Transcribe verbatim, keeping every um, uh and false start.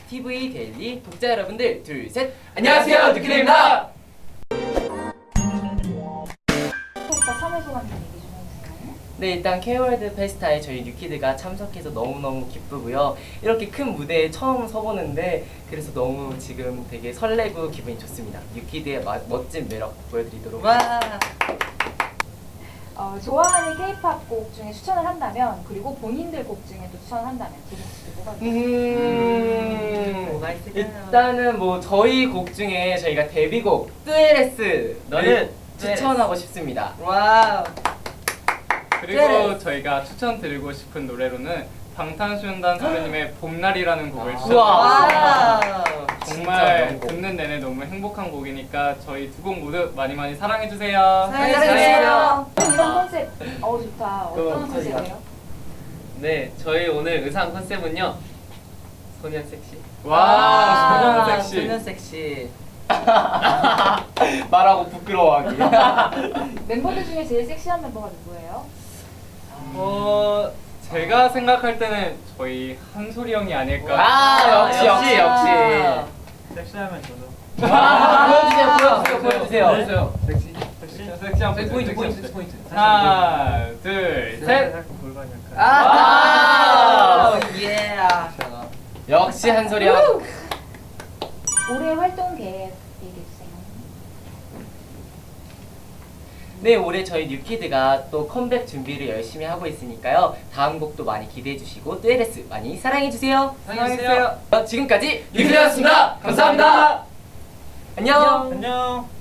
티브이 데일리 독자 여러분들 둘 셋 안녕하세요, 뉴키드입니다. 페스타 삼 회 소감 좀 얘기 좀 해주세요. 네, 일단 K-월드 페스타에 저희 뉴키드가 참석해서 너무너무 기쁘고요. 이렇게 큰 무대에 처음 서보는데 그래서 너무 지금 되게 설레고 기분이 좋습니다. 뉴키드의 마, 멋진 매력 보여드리도록 하겠습니다. 어, 좋아하는 K-팝 곡 중에 추천을 한다면, 그리고 본인들 곡 중에 또 추천을 한다면 두 곡씩 뭐가 있을까요? 음, 뭐가 있을까요? 일단은 뭐 저희 곡 중에 저희가 데뷔곡 뚜에레스 너는 추천하고 싶습니다. 와우. 그리고 저희가 추천드리고 싶은 노래로는 방탄소년단 선배님의 봄날이라는 곡을 우와. 추천드립니다. 정말 진짜 명곡. 듣는 내내 너무 행복한 곡이니까 저희 두 곡 모두 많이 많이 사랑해주세요. 사랑해주세요. 의상 컨셉, 어우 좋다. 어떤 그럼 컨셉이에요? 네, 저희 오늘 의상 컨셉은요. 소년 섹시. 와, 소년 섹시. 소년 섹시. 말하고 부끄러워하기. 멤버들 중에 제일 섹시한 멤버가 누구예요? 어, 제가 생각할 때는 저희 한솔이 형이 아닐까. 아, 역시 역시 역시. 섹시하면 저도. 아, 보여주세요 보여주세요 보여주세요. 보여주세요. 섹시? 섹시, 섹시한 섹시 포인트, 포인트, 섹시. 포인트. 하나, 둘, 셋. 골반 약간. 아, 예. 역시 한솔이 형. 올해 활동 계획 얘기해주세요. 네, 올해 저희 뉴키드가 또 컴백 준비를 열심히 하고 있으니까요. 다음 곡도 많이 기대해 주시고 뚜에레스 많이 사랑해 주세요. 사랑해주세요. 지금까지 뉴키드였습니다. 감사합니다. 안녕. 안녕.